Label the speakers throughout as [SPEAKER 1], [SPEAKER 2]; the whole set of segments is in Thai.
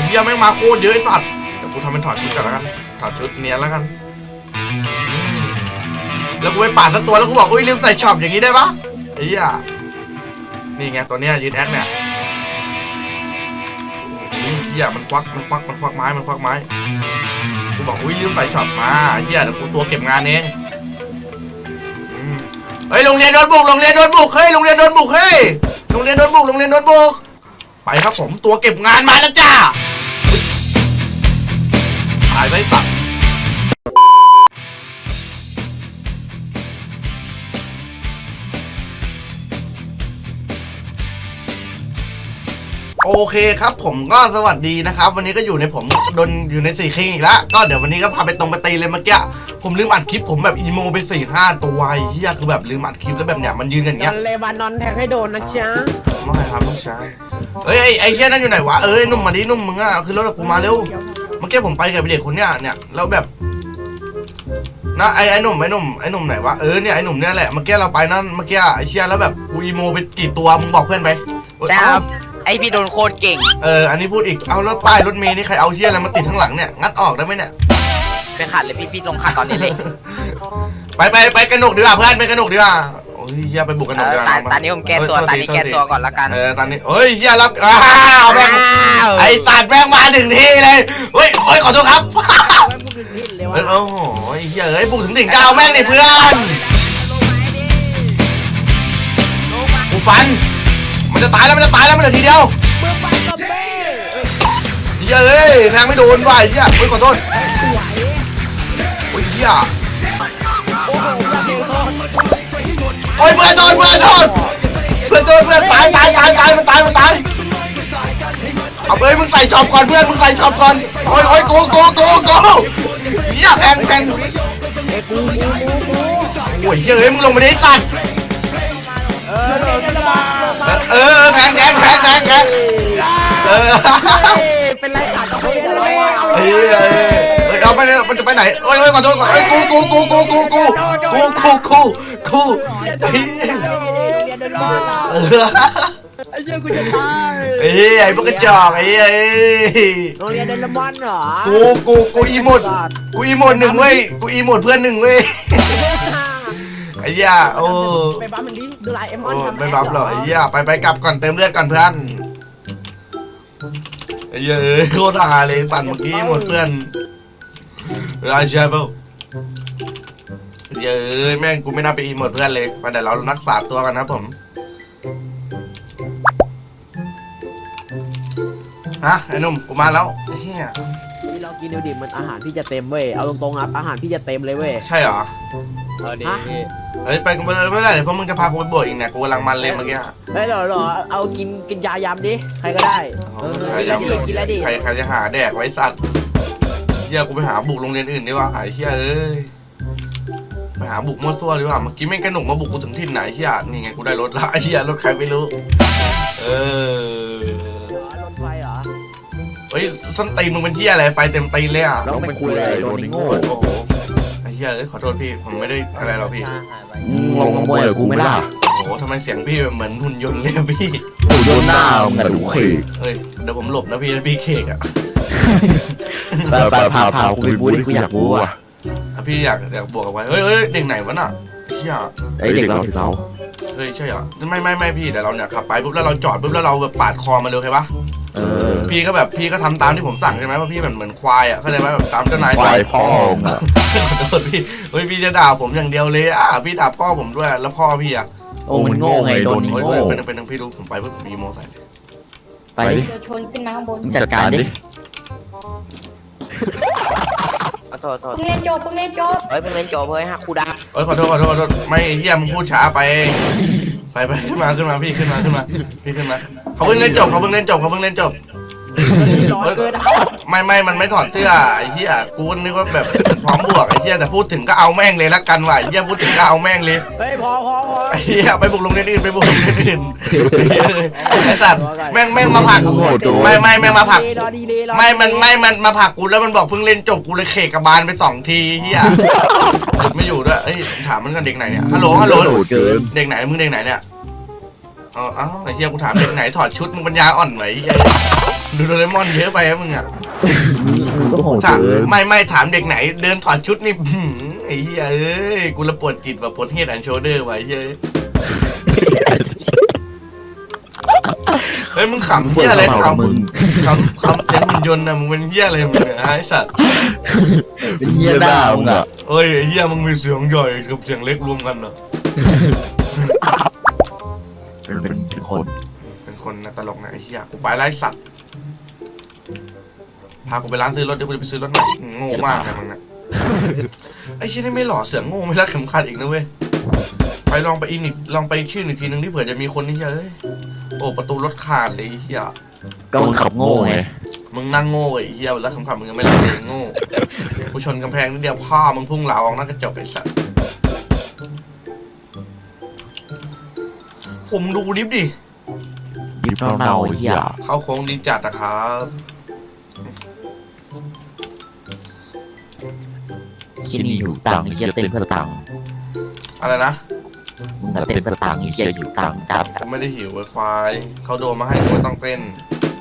[SPEAKER 1] เหี้ยแม่งมาโคตรเยอะไอ้สัตว์เดี๋ยวกูทำเป็นถอดชุดก่อนแล้วกันถอดชุดเนี้ยแล้วกันแล้วกูไปปาดสักตัวแล้วกูบอกอุ้ยลืมใส่ช็อปอย่างนี้ได้ปะไอ้เหี้ยนี่ไงตัวเนี้ยยืนแอคเนี่ยเหี้ยมันควักไม้กูบอกอุ้ยลืมใส่ช็อปมาเหี้ยเดี๋ยวกูตัวเก็บงานเองเฮ้ยโรงเรียนโดนบุกเฮ้ยโรงเรียนโดนบุกเฮ้ยโรงเรียนโดนบุกไปครับผมตัวเก็บงานมาแล้วจ้าตายไปสัตว์โอเคครับผมก็สวัสดีนะครับวันนี้ก็อยู่ในผมโดนอยู่ใน4 คิงอีกแล้วก็เดี๋ยววันนี้ก็พาไปตรงไปตีเลยเมื่อกี้ผมลืมอัดคลิปผมแบบอีโมไป4-5 ตัวไอ้เหี้ยคือแบบลืมอัดคลิปแล้วแบบเนี้ยมันยืนกันอย่างเงี้ย
[SPEAKER 2] เลบานอนแทงให้โดนนะจ๊ะ
[SPEAKER 1] ไม่ครับต้องใช้เฮ้ยไอ้เหี้ยนั่นอยู่ไหนวะนุ่มมาดินุ่มมึงอะคือรถกูมาเร็วเมื่อกี้ผมไปกับเด็กคนเนี้ยแล้วแบบนะไอ้หนุ่มไหนวะเนี่ยไอ้หนุ่มเนี่ยแหละเมื่อกี้เราไปนั่นเมื่อกี้ไอ้เชี่ยแล้วแบบกูอีโมไปกี่ตัวมึงบอกเพื่อนไป
[SPEAKER 3] ครับไอพี่โดนโคตรเก่ง
[SPEAKER 1] อันนี้พูดอีกเอารถป้ายรถเมล์นี่ใครเอาเชี่ยอะไรมาติดข้างหลังเนี่ยงัดออกได้ไหมเนี่ย
[SPEAKER 3] ไปขัดเลยพี่ลงขัดตอนนี้เลย
[SPEAKER 1] ไปกระหนกดีกว่าเพื่อนไปกระหนกดีกว่าโอ้ยเฮียไปบุกกระหนกดีกว่า
[SPEAKER 3] ตอนนี้ผมแก้ตัวตอนนี้แก้ตัวก่อนละกัน
[SPEAKER 1] ตอนนี้เฮ้ยเฮียรับแม่งไอ้สัตว์แม่งมาถึงที่เลยเฮ้ยขอโทษครับโอ้โหเฮียบุกถึงถึงก้าวแม่งนี่เพื่อนกูฟันมันจะตายแล้วมันเหลือทีเดียวเฮียแทงไม่โดนว่ะเฮียขอโทษเฮียเพื่อนโดนเพื่อนตายมันตายเอาไปมึงใส่ช็อปก่อนเพื่อนมึงใส่ช็อปก่อนโอ้ยกูเฮียแทงโอ้ยเฮ้ยมึงลงมาดิสัตว์แทง
[SPEAKER 2] เป็นไรขาดเขาเลย
[SPEAKER 1] เอาไปมันจะไปไหนโอ้ยขอโทษกู
[SPEAKER 2] ไอ้เจ้ากูจะตาย
[SPEAKER 1] ไอ้พวกกระจอก
[SPEAKER 2] โรงเรียนเดลมอนเหรอ
[SPEAKER 1] กูอีโมด1เว้ยกูอีโมดเพื่อน1เว้ยไอ้ย่าโอ้
[SPEAKER 2] ไปบัฟมันดิดูไลเอมอนทำ
[SPEAKER 1] ไม่บัฟหรอไอ้ย่าไปกลับก่อนเติมเลือดก่อนเพื่อนไอ้ย่าโคตรฮาเลยปั่นเมื่อกี้หมดเพื่อนราชาเปล่าแม่งกูไม่น่าไปอีโมดเพื่อนเลยไปเดี๋ยวเรารักษาตัวกันนะผมไอ้นุ่มกูมาแล้วเฮีย
[SPEAKER 2] นี่เรากินดูดิมันอาหารพี่จะเต็มเว้ยเอาตรงๆครับอาหารพี่จะเต็มเลยเว้ย
[SPEAKER 1] ใช่เหรอ
[SPEAKER 2] ดี
[SPEAKER 1] ไปกูไม่ได้เดี๋ยวพวกมึงจะพากูไปบวชอีกเนี่ยกูกำลังมันเลยเมื่อกี้
[SPEAKER 2] หรอเอากินยายำดิใครก็ได้กินอะไรดิ
[SPEAKER 1] ใครจะหาแดกไว้สัตว์เฮียกูไปหาบุกโรงเรียนอื่นดีกว่าหายเฮียไปหาบุกมั่วซั่วดีกว่าเมื่อกี้แม่งกระหนุกมาบุกกูถึงที่ไหนเฮียนี่ไงกูได้รถละเฮียรถใครไม่รู้
[SPEAKER 2] รถไฟเหรอ
[SPEAKER 1] เฮ้ยส้นตีนมึงเป็นเฮียอะไรไฟเต็มตีนเลยอ่ะ
[SPEAKER 4] แล้วไม่คุยอะไรโดนโง่
[SPEAKER 1] ไอ้เฮียขอโทษพี่ผมไม่ได้อะไรหรอกพี่
[SPEAKER 4] ลงมวยกับกูไม่ล่ะ
[SPEAKER 1] โอ้ทำไมเสียงพี่เหมือนหุ่นยนต์เลยพี่
[SPEAKER 4] หุ่นยนต์หน้าเหมือนดูเคก
[SPEAKER 1] เดี๋ยวผมหลบนะพี่เคกอ่ะ
[SPEAKER 4] ไปพากูไปบู๊ดิกูอยากบู๊อ่ะ
[SPEAKER 1] พี่อยากบวกกับไว้เฮ้ยเด็กไหนวะน่ะเฮีย
[SPEAKER 4] ไอเด็กเรา
[SPEAKER 1] ใช่เหรอไม่พี่แต่เราเนี่ยขับไปปุ๊บแล้วเราจอดปุ๊บแล้วเราแบบปาดคอมาเลยใช่ปะพี่ก็ทำตามที่ผมสั่งใช่ไหมว่าพี่เหมือนควายอ่ะเข้าใจไหมแบบตามเจ้านาย
[SPEAKER 4] ควายพ่อ
[SPEAKER 1] ขอโทษพี่พี่จะด่าผมอย่างเดียวเลยพี่ด่าพ่อผมด้วยแล้วพ่อพี่อ่ะ
[SPEAKER 4] โอ้มันโง่ไงโดนโง่
[SPEAKER 1] เป็นทางพี่ดูผมไปเพื่อผมมีโมใส่
[SPEAKER 4] ไปดิ
[SPEAKER 5] ชนขึ้นมาข้างบน
[SPEAKER 4] จัดการดิ
[SPEAKER 3] โทษ
[SPEAKER 5] เพิ่งเล่นจบเพิ่งเล่นจบ
[SPEAKER 3] เฮ้ยฮะกูด่า
[SPEAKER 1] ขอโทษไม่เฮียมึงพูดช้าไปขึ้นมาพี่ขึ้นมาเขาเพิ่งเล่นจบไม่มันไม่ถอดเสื้อไอ้เหี้ยกูนึกว่าแบบพร้อมบวกไอ้เหี้ยแต่พูดถึงก็เอาแม่งเลยละกันว่ะไอ้เหี้ยพูดถึงก็เอาแม่งเลย
[SPEAKER 2] พอ
[SPEAKER 1] ไอ้เหี้ยไปบุกโรงเรียนอื่นไอ้สัตว์แม่งมาผักไม่แม่งมาผักมันมาผักกูแล้วมันบอกเพิ่งเล่นจบกูเลยเขกกระบาลไป2 ทีเหี้ยไม่อยู่ด้วยถามมันกันเด็กไหนเนี่ยฮัลโหลเด็กไหนมึงเด็กไหนเนี่ยเอ้าไอ้เหี้ยกูถามเด็กไหนถอดชุดมึงปัญญาอ่อนไหมไอ้เหี้ยดูโดเรมอนเยอะไปครับมึงอ่ะ
[SPEAKER 4] มึงก็โหด
[SPEAKER 1] ถาม
[SPEAKER 4] เกิน
[SPEAKER 1] ไม่ถามเด็กไหนเดินถอดชุดนี่ไอ้เหี้ยเอ้ยกูระปวดจิตแบบปวดเฮดแอนด์โชเดอร์ไว้เฮ้ยเฮ้ยมึงขำเหี้ยอะไรขำ
[SPEAKER 4] มึง
[SPEAKER 1] ขำเต็มหุ่นยนต์นะมึงเป็นเหี้ยอะไรมึงเนี่ยไอ้สัตว์
[SPEAKER 4] เป็นเหี้ยหน้ามึงอ่ะ
[SPEAKER 1] เอ้ยไอ้เหี้ยมึงมีเสียงใหญ่กับเสียงเล็กรวมกันเหรอ
[SPEAKER 4] เป็นคน
[SPEAKER 1] เป็นคนนะตลกนะไอ้เหี้ยกูไปไล่สัตว์พากูไปร้านซื้อรถเดี๋ยวกูจะไปซื้อรถใหม่โง่มากเลยมึงนะไอ้เชี่ยนี่ไม่หล่อเสือโง่ไม่รักเข็มขัดอีกนะเว้ยไปลองไปอีกลองไปชื่ออีกทีนึงที่เผื่อจะมีคนนี่เฮ้ยโอ้ประตูรถขาดเลยไอ้เหี้ย
[SPEAKER 4] ก็มึงขับโง่ไง
[SPEAKER 1] มึงนั่งโง่ไอ้เหี้ยแล้วคำขับมึงยังไม่รักเลยโง่กูชนกำแพงนิดเดียวพ่อมึงพุ่งเหลาออกหน้ากระจกไอ้สัตว์ผมดูดิฟดิ
[SPEAKER 4] ดิบเน่าๆเหี้ย
[SPEAKER 1] เข้าโค้งดีจัดนะครับ
[SPEAKER 4] ที่นี่อยู่ตังค์เหี้ยเต้นเพื่อตังค์
[SPEAKER 1] อะไรนะ
[SPEAKER 4] มึงอะเต้นเพื่อตังค์เหี้ยอยู่ตังค์จัด
[SPEAKER 1] กูไม่ได้หิวไอ้ควายเขาโดนมาให้กูไม่ต้องเต้น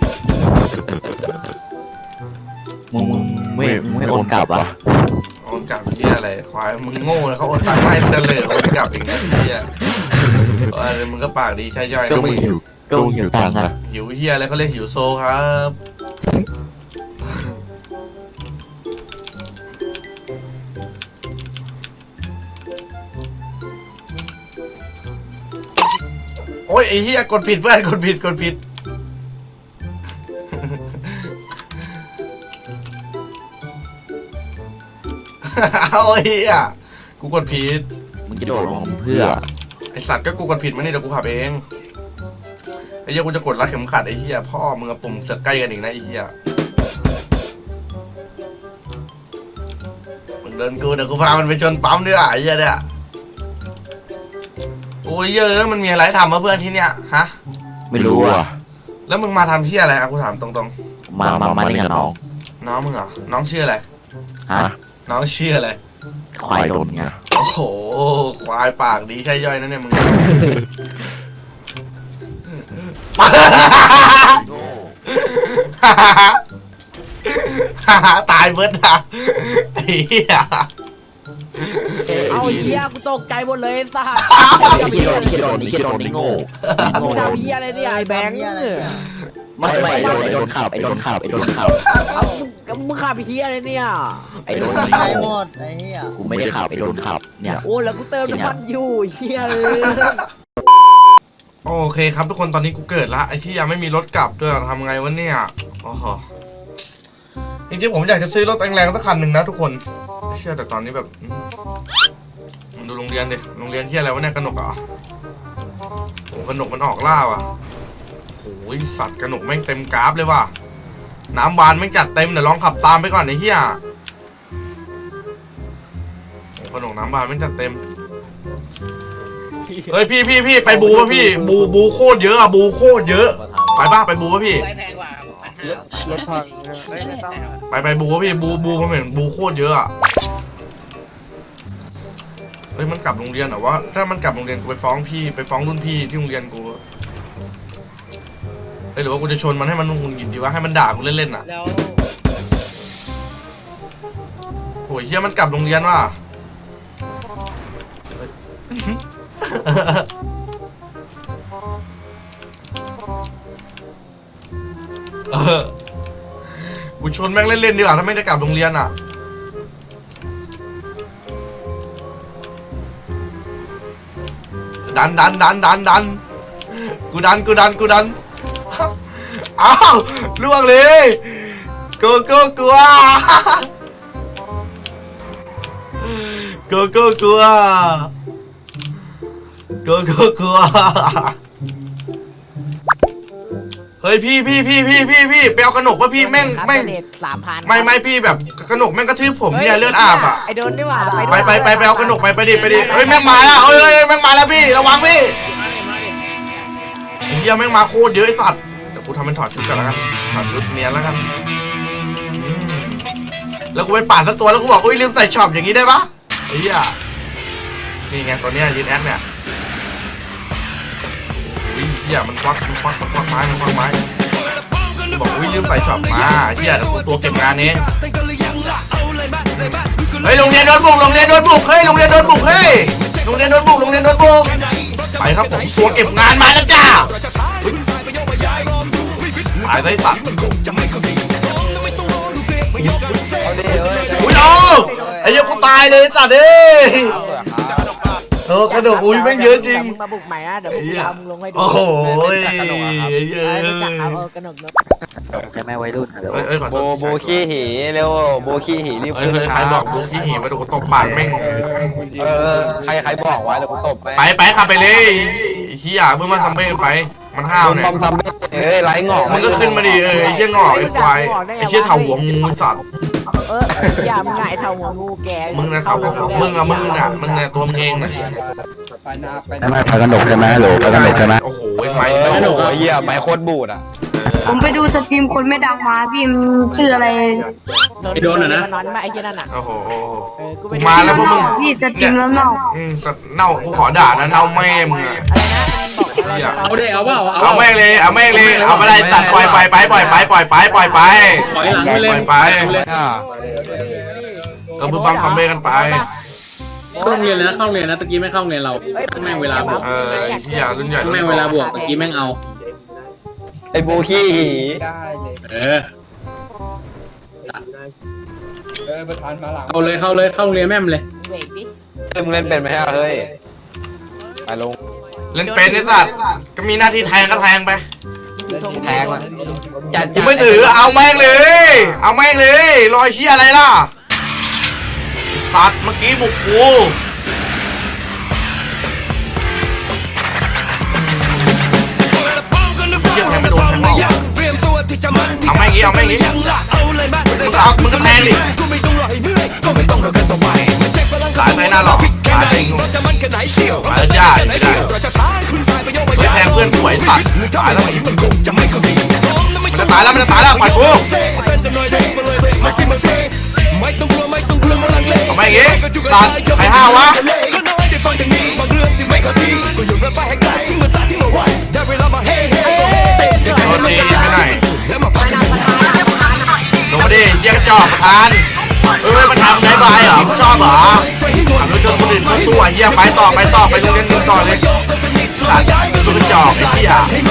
[SPEAKER 4] มึงไม่โอนกลับอ่ะ
[SPEAKER 1] โอนกลับเหี้ยอะไรควายมึงโง่เลยเขาโอนตังค์ให้เฉลยโอนกลับอีกนะเหี้ยอะไรมึงก็ปากดีใช่ย่อย
[SPEAKER 4] ก็มึงหิวตังค์อ่ะ
[SPEAKER 1] หิวเหี้ยอะไรเขาเรียกหิวโซครับโอ้ยไอ้เหี้ยกดผิดเพื่อนกดผิดเอาไอ้เหี้ยกูกดผิด
[SPEAKER 4] มึงจะโดดลงเพื่อ
[SPEAKER 1] ไอสัตว์ก็กูกดผิดมานี่เดี๋ยวกูขับเองไอ้เหี้ยกูจะกดรัดเข็มขัดไอ้เหี้ยพ่อมึงกับปุ่มเสือกใกล้กันอีกนะไอ้เหี้ยมึงเดินกูเดี๋ยวกูพามันไปชนปั๊มด้วยอ่ะไอ้เหี้ยเนี่ยโอ้ยเยอะมันมีอะไรทำมาเพื่อนที่เนี้ยฮะ
[SPEAKER 4] ไม่รู้อ่ะ
[SPEAKER 1] แล้วมึงมาทำเหี้ยอะไรอะกูถามตรง
[SPEAKER 4] มาเล่นกับน้อง
[SPEAKER 1] ๆน้องมึงเหรอน้องชื่ออะไร
[SPEAKER 4] ฮะ
[SPEAKER 1] น้องชื่ออะไร
[SPEAKER 4] ควายโดนไง
[SPEAKER 1] โอ้โหควายปากดีใช่ย่อยนะเนี่ยมึง ตายเบิร์ดนะไอ้เหี้ย
[SPEAKER 2] เอาเหี้ยกูตกใจหมดเลยไอ้สัส
[SPEAKER 4] นี่โดนนี่โง่
[SPEAKER 2] กูทำเหี้ยอะไรเนี่ยไอ้แบงค์
[SPEAKER 4] ไม่โดนขับ
[SPEAKER 2] เอามึงขับเหี้ยอะไรเนี่ย
[SPEAKER 4] โดน
[SPEAKER 6] ไอ้หมดไอ้เหี้ย
[SPEAKER 4] กูไม่ได้ขับโดนขับเนี่ย
[SPEAKER 2] โอ้แล้วกูเติมน้ำมันอยู่เหี้ยเลย
[SPEAKER 1] โอเคครับทุกคนตอนนี้กูเกิดละไอ้ที่ยังไม่มีรถกลับด้วยทำไงวะเนี่ยโอ้โหจริงๆผมอยากจะซื้อรถแรงๆสักคันหนึ่งนะทุกคนเชื่อแต่ตอนนี้แบบมึงดูโรงเรียนดิโรงเรียนที่อะไรวะเนี่ยกนกเหรอโอ้กนกมันออกล่าว่ะโอ้ยสัตว์กนกแม่งเต็มกราฟเลยว่ะน้ำบานแม่งจัดเต็มเดี๋ยวลองขับตามไปก่อนไอ้เหี้ยโอ้กนกน้ำบานแม่งจัดเต็มเฮ้ยพี่ไปบูป่ะพี่บูโคตรเยอะอะบูโคตรเยอะไปป่ะไปบูป่ะพี่
[SPEAKER 6] รถพัง
[SPEAKER 1] ไปบูป่ะพี่บูผมเห็นบูโคตรเยอะอะเฮ้ยมันกลับโรงเรียนเหรอวะถ้ามันกลับโรงเรียนกูไปฟ้องพี่ไปฟ้องรุ่นพี่ที่โรงเรียนกูเฮ้ยหรือว่ากูจะชนมันให้มันหงุดหงิดดีวะให้มันด่ากูเล่นๆอะโอ้ยเฮียมันกลับโรงเรียนว่ะกูชนแม่งเล่นๆดีกว่าถ้าไม่ได้กลับโรงเรียนอ่ะดันกูดันอ้าวล่วงเลยกูกลัวกูเฮ้ยพี่ไปเอากระหนกป่ะพี่แม่ง
[SPEAKER 2] 3,000
[SPEAKER 1] ไม่พี่แบบกระหนกแม่งกระทืบผมเนี่ยเลือดอาบอ่ะ
[SPEAKER 2] ไอโดนดีกว่า
[SPEAKER 1] ไปเอากระหนกไปดิเฮ้ยแม่งมาแล้วเอ้ยแม่งมาแล้วพี่ระวังพี่ไอ้เหี้ยแม่งมาโคตรเยอะไอ้สัตว์เดี๋ยวกูทำเป็นถอดชุดกันแล้วกันถอดชุดเนียนแล้วกันแล้วกูไปปาดสักตัวแล้วกูบอกอุ้ยลืมใส่ช็อปอย่างนี้ได้ปะไอ้เหี้ยนี่ไงตัวเนี้ยยืนแอคเนี่ยโอ้อุ้ยเฮียมันควักไม้บอกอุ้ยลืมใส่ช็อปมาเฮียตัวเก็บงานเองเฮ้ยโรงเรียนโดนบุกเฮ้ยโรงเรียนโดนบุกไปครับผมตัวเก็บงานมาแล้วจ้าตายได้สัตว์อุ้ยไอ้เหี้ยกูตายเลยสัตว์เอ้ยกระโดดอุ้ยแม่งเยอะจริง
[SPEAKER 2] มึงมาบุกใหม่นะเดี๋ยวพวกกูทำลงให้ดู
[SPEAKER 1] โอ้โหเยอะ
[SPEAKER 2] รู้จักเขากระหนก
[SPEAKER 4] ใช่ไหมวัยรุ่นฮัลโหล
[SPEAKER 1] เอ้ยขอโทษ
[SPEAKER 6] โบขี้หีเร็วโบขี้หีรีบ
[SPEAKER 1] เฮ้ยใครบอกดูขี้หีมาดูตบปากแม่ง
[SPEAKER 6] ใครบอกไว้แล้วกูตบ
[SPEAKER 1] ไปขับไปเลยเฮียมึงมาทำไปมันห้าวเนี่ย
[SPEAKER 6] บอมทำไร้หงอก
[SPEAKER 1] มึงก็ขึ้นมาดิไอ้เชี่ยงอกไอ้ควายไอ้เชี่ยเถาหัวงูสัตว์
[SPEAKER 2] อย่ามึงไงเท่าหัวงูแก
[SPEAKER 1] มึงนะเถาหัวมึงเนี่ยตัวมึงเองนะ
[SPEAKER 4] ใช่ไหมพากระหนกใช่ไหมฮัลโหลพากระหนกใช่ไหม
[SPEAKER 1] โอ้โหไม้
[SPEAKER 6] โอ้โหเหี้ยไม้โคตรบูดอ่ะ
[SPEAKER 5] ผมไปดูสตรีมคนไม่ดังมาพี่มันชื่ออะไร
[SPEAKER 2] โดนอ่ะนะนอนมาไอ้เจ้านั่นอ่ะ
[SPEAKER 1] โอ้โห
[SPEAKER 2] กู
[SPEAKER 1] กูมาแล้วพวกมึง
[SPEAKER 5] พี่สตรีมแล้วเนาะ
[SPEAKER 1] เน่ากูขอด่านะเน่าแม่มึงอะ
[SPEAKER 2] อะไรนะมันบอกอะไร
[SPEAKER 7] เอาดิเอาเปล่า
[SPEAKER 1] เอาแม่งเลยเอาไปเลยสัตว์ปล่อยไป
[SPEAKER 7] ถอยหลังไปเลย
[SPEAKER 1] ไปก็บึ้มบังคอมเมกันไป
[SPEAKER 7] เข้าโรงเรียนเลยนะเข้าโรงเรียนนะตะกี้ไม่เข้าโรงเรียนเราแม่งเวลาบวก
[SPEAKER 1] ที่อยากรุ่นใหญ่
[SPEAKER 7] แม่งเวลาบวกตะกี้แม่งเอา
[SPEAKER 6] ไอ้โบขี้หี
[SPEAKER 7] เออเข้าเลยเข้าโรงเรียนแม่มเลย
[SPEAKER 2] เบรกดิ
[SPEAKER 6] มึงเล่นเป็นไหมฮะเฮ้ยไปลง
[SPEAKER 1] เล่นเป็นไอ้สัตว์ก็มีหน้าที่แทงก็แทงไป
[SPEAKER 6] แทงอ่ะ
[SPEAKER 1] กูไม่ถือเอาแม่งเลยรอยเชี่ยอะไรล่ะสัตว์เมื่อกี้บุกกูเชี่ยแทงไม่โดนแทงไม่ออกเอาแม่งงี้มึงก็แทงดิตายไปหน้าหรอกตายไปงูตายแล้วจ้าไม่ได้ไปแทงเพื่อนป่วยสัตว์ตายแล้วมันจะตายแล้วปล่อยกูทำไมอย่างงี้สัตว์ใครห้าวะโดนตีไปไหนลงมาดิเยี่ยกระจอกประธานมันทำได้บายเหรอชอบเหรอทำด้วยจนคนอื่นเขาสู้เยี่ยไปต่อไปโรงเรียนนึงต่อเลยสัตว์ตัวกระจอกไอ้เหี้ย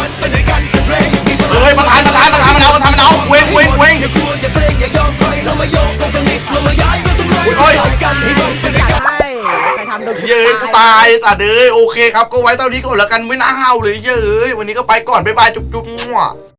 [SPEAKER 1] ประธานมันเอาเว้งโอ้ย
[SPEAKER 2] ใครทำโดน
[SPEAKER 1] เย้ยกูตายสัตว์โอเคครับก็ไว้เท่านี้ก่อนแล้วกันไม่น่าห้าวเลยเย้ยวันนี้ก็ไปก่อนบ๊ายบายจุ๊บมั่ว